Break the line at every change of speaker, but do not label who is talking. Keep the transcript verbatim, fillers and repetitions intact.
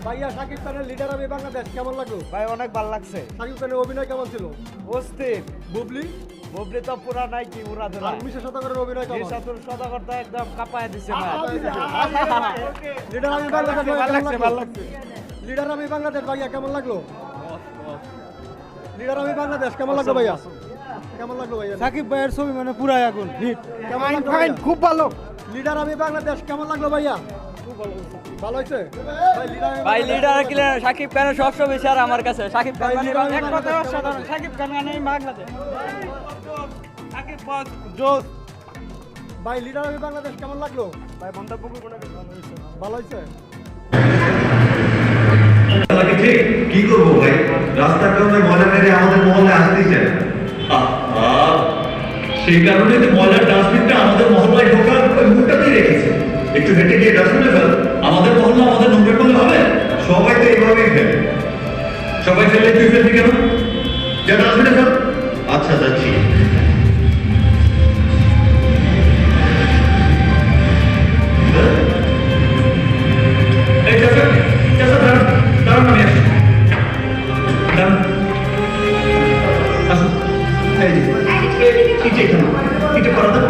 ভাইয়া শাকিব খানের লিডার আমি বাংলাদেশ কেমন লাগলো?
ভাই অনেক ভালো লাগছে।
শাকিব খানের অভিনয় কেমন ছিল?
অস্থির।
বুবলি
বুবলি তো পুরা নাই কি উড়া ধরা।
আর মিশা সদাগরের অভিনয় কেমন?
নিশাতুর সদাগর তো একদম কাঁপায় দিছে ভাই।
লিডার আমি বাংলাদেশ
ভালো লাগছে ভালো লাগছে।
লিডার আমি বাংলাদেশ ভাইয়া কেমন লাগলো? লিডার আমি বাংলাদেশ কেমন লাগলো ভাইয়া? কেমন লাগলো ভাইয়া?
সাকিব ভাইয়ের ছবি মানে পুরাই আগুন হিট।
কেমন লাগলো
ফাইন
ভাইয়া?
খুব ভালো।
লিডার আমি বাংলাদেশ কেমন লাগলো ভাইয়া? খুব ভালো ভালো হয়েছে ভাই লিডার আমি
ভাই
বাংলাদেশ-
লিডার কি সাকিব খানের সবসময় বেশি আর আমার কাছে সাকিব খান
ভাই,
মানে
leader আমি
এক
বাংলাদেশ
কথায়
কেমন
অসাধারণ
লাগলো?
সাকিব খান মানে বাংলাদেশ
সাকিব বস জোস।
ভাই লিডার আমি বাংলাদেশ কেমন লাগলো?
ভাই মন্তব্য করব না ভালো হইছে।
ভালো হয়েছে
তাকে ঠিক কি করবো ভাই, রাস্তার কারণে ময়লা মেরে আমাদের মহলে আসতেই চায় না। আহা, সেই কারণে তো ময়লার ডাস্টবিনটা আমাদের মহল্লায় ঢোকার ওই মুখটাতেই রেখেছে। একটু হেঁটে গিয়ে ডাস্টবিনে ফেল। আমাদের মহল্লা আমাদের নোংরা করলে হবে? সবাই তো এইভাবেই ফেলে। সবাই ফেলে তুই ফেলবি কেন? যা ডাস্টবিনে ফেল। আচ্ছা যাচ্ছি। এই চাচা, চাচা দাঁড়ান, দাঁড়ান আমি আসছি। দাঁড়ান। আসুন। এই যে, এই যে এখানে। এটা করা দাও।